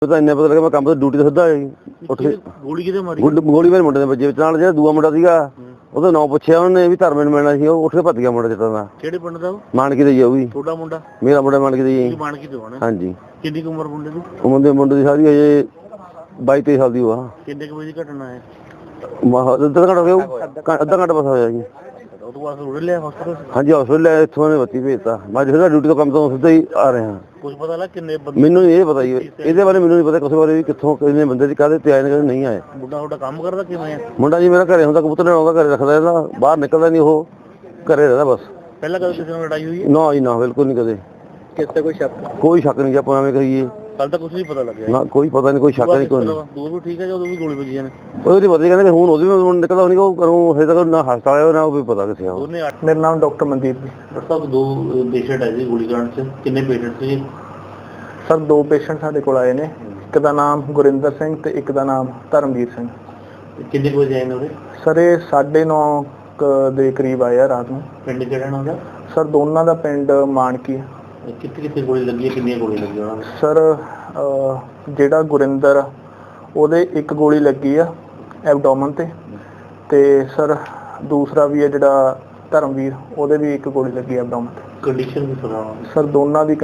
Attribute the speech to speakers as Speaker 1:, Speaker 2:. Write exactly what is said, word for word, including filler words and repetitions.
Speaker 1: ਤਾਂ ਇੰਨੇ ਪਤਾ ਲੱਗਾ ਮੈਂ ਕੰਮ ਤੋਂ ਡਿਊਟੀ ਤੋਂ ਸਿੱਧਾ ਉੱਠ ਕੇ
Speaker 2: ਗੋਲੀ ਕਿਤੇ ਮਾਰੀ?
Speaker 1: ਗੋਲੀ ਮੇਰੇ ਮੁੰਡੇ ਦੇ ਵੱਜੇ ਵਿੱਚ ਨਾਲ ਜਿਹੜਾ ਦੂਆ ਮੁੰਡਾ ਸੀਗਾ ਉਹਦਾ ਨਾਂ ਪੁੱਛਿਆ ਉਹਨੇ ਵੀ ਧਰਮੇ ਨੂੰ ਮਿਲਣਾ ਸੀ ਉਹ ਉੱਠ ਕੇ ਭੱਜ ਗਿਆ ਮੁੰਡਾ ਜਿੱਤਾਂ ਦਾ।
Speaker 2: ਕਿਹੜੇ ਪਿੰਡ ਦਾ ਉਹ?
Speaker 1: ਮਾਨਕੀ ਦਾ ਜੀ ਉਹ ਵੀ।
Speaker 2: ਤੁਹਾਡਾ ਮੁੰਡਾ?
Speaker 1: ਮੇਰਾ ਮੁੰਡਾ ਮਾਨਕੀ ਦਾ ਜੀ।
Speaker 2: ਮਾਨਕੀ ਤੋਂ ਆਣਾ?
Speaker 1: ਹਾਂਜੀ।
Speaker 2: ਕਿੰਨੀ ਉਮਰ ਮੁੰਡੇ ਦੀ?
Speaker 1: ਉਹ ਮੁੰਡੇ ਮੁੰਡੇ ਦੀ ਸਾਰੀ ਹਜੇ ਬਾਈ ਤੇਈ ਸਾਲ ਦੀ ਉਹ ਆ।
Speaker 2: ਕਿੰਨੇ ਕੁ ਵਜੇ ਦੀ ਘਟਨਾ ਹੈ?
Speaker 1: ਅੱਧਾ ਘੰਟਾ ਹੋ ਗਿਆ, ਅੱਧਾ ਘੰਟਾ ਬਸ ਹੋਇਆ ਜੀ।
Speaker 2: ਉਹ ਤੋਂ ਬਾਅਦ ਰੁੜ ਲਿਆ ਹਸਪਤਾਲ?
Speaker 1: ਹਾਂਜੀ ਹਸਪਤਾਲ ਲੈ ਇੱਥੋਂ ਨੇ ਬੱਤੀ ਭੇਜਤਾ। ਮੈਂ ਜਿਹੜਾ ਡਿਊਟੀ ਤੋਂ ਕੰਮ ਤੋਂ ਸਿੱਧਾ ਹੀ ਆ ਰਿਹਾ।
Speaker 2: ਕੁਝ ਪਤਾ ਲੱਗ ਕਿੰਨੇ ਬੰਦੇ?
Speaker 1: ਮੈਨੂੰ ਇਹ ਪਤਾ ਜੀ ਇਹਦੇ ਬਾਰੇ, ਮੈਨੂੰ ਨਹੀਂ ਪਤਾ ਕਿਸੇ ਬਾਰੇ ਵੀ ਕਿੱਥੋਂ ਕਿੰਨੇ ਬੰਦੇ ਦੀ ਕਾਹਦੇ ਤੇ ਆਏ ਨੇ ਕਾਹਦੇ ਨਹੀਂ ਆਏ।
Speaker 2: ਮੁੰਡਾ ਤੁਹਾਡਾ ਕੰਮ ਕਰਦਾ ਕਿਵੇਂ ਆ?
Speaker 1: ਮੁੰਡਾ ਜੀ ਮੇਰਾ ਘਰੇ ਹੁੰਦਾ, ਕਬੂਤਰ ਲੈਣ ਆਉਂਦਾ, ਘਰੇ ਰੱਖਦਾ ਇਹਦਾ, ਬਾਹਰ ਨਿਕਲਦਾ ਨਹੀਂ, ਉਹ ਘਰੇ ਰਹਿੰਦਾ ਬਸ।
Speaker 2: ਪਹਿਲਾਂ ਕਦੇ ਕਿਸੇ ਨਾਲ ਲੜਾਈ ਹੋਈ ਹੈ?
Speaker 1: ਨਾ ਜੀ ਨਾ, ਬਿਲਕੁਲ ਨਹੀਂ ਕਦੇ।
Speaker 2: ਕਿਸੇ ਤੇ ਕੋਈ ਸ਼ੱਕ?
Speaker 1: ਕੋਈ ਸ਼ੱਕ ਨਹੀਂ ਜੀ, ਆਪਾਂ ਐਵੇਂ ਕਹੀਏ।
Speaker 2: ਕੱਲ ਤਾਂ ਕੁਝ ਨਹੀਂ ਪਤਾ ਲੱਗਿਆ
Speaker 1: ਨਾ ਕੋਈ ਪਤਾ ਨਹੀਂ, ਕੋਈ ਸ਼ੱਕ ਨਹੀਂ, ਕੋਈ
Speaker 2: ਦੂਰ ਵੀ ਠੀਕ ਹੈ ਜਦੋਂ ਵੀ ਗੋਲੀ ਵੱਜੀਆਂ ਨੇ?
Speaker 1: ਉਹਦੀ ਪਤਾ ਕਹਿੰਦੇ ਹੁਣ ਉਹਦੀ ਵੀ ਨਿਕਲਦਾ ਨਹੀਂ, ਉਹ ਕਰੂੰ ਹਜੇ ਤੱਕ ਨਾ ਹਸਪਤਾਲ ਆਇਆ ਨਾ ਉਹ ਵੀ ਪਤਾ ਕਿੱਥੇ ਆ।
Speaker 2: ਮੇਰਾ ਨਾਮ ਡਾਕਟਰ ਮਨਦੀਪ ਜੀ। ਡਾਕਟਰ ਸਾਹਿਬ ਦੋ ਪੇਸ਼ੈਂਟ ਆਏ ਸੀ ਗੋਲੀ ਕਾਂਡ 'ਚ, ਕਿੰਨੇ ਪੇਸ਼ੈਂਟ ਸੀ?
Speaker 3: ਸਰ ਦੋ ਪੇਸ਼ੈਂਟ ਸਾਡੇ ਕੋਲ ਆਏ ਨੇ, ਇੱਕ ਦਾ ਨਾਮ ਗੁਰਿੰਦਰ ਸਿੰਘ ਤੇ ਇੱਕ ਦਾ ਨਾਮ ਧਰਮਵੀਰ ਸਿੰਘ।
Speaker 2: ਕਿੰਨੇ ਕੁ ਵਜੇ ਆਏ ਨੇ ਉਹਦੇ?
Speaker 3: ਸਰ ਇਹ ਸਾਢੇ ਨੌ ਦੇ ਕਰੀਬ ਆਏ ਆ ਰਾਤ ਨੂੰ।
Speaker 2: ਪਿੰਡ ਕਿਹੜਾ ਇਹਨਾਂ ਦਾ?
Speaker 3: ਸਰ ਦੋਨਾਂ ਦਾ ਪਿੰਡ ਮਾਨਕੀ।
Speaker 2: ਕਿੱਥੇ ਕਿੱਥੇ ਗੋਲੀ ਲੱਗੀ ਹੈ, ਕਿੰਨੀਆਂ ਗੋਲੀ ਲੱਗੀਆਂ ਉਹਨਾਂ ਨੂੰ?
Speaker 3: ਸਰ ਜਿਹੜਾ ਗੁਰਿੰਦਰ ਉਹਦੇ ਇੱਕ ਗੋਲੀ ਲੱਗੀ ਆ ਐਬਡੋਮਨ ਤੇ, ਤੇ ਸਰ ਦੂਸਰਾ ਵੀ ਹੈ ਜਿਹੜਾ ਧਰਮਵੀਰ ਉਹਦੇ ਵੀ ਇੱਕ ਗੋਲੀ ਲੱਗੀ ਐਬਡੋਮਨ ਤੇ।
Speaker 2: ਕੰਡੀਸ਼ਨ ਵੀ ਸੁਣਾਓ
Speaker 3: ਸਰ ਦੋਨਾਂ ਦੀ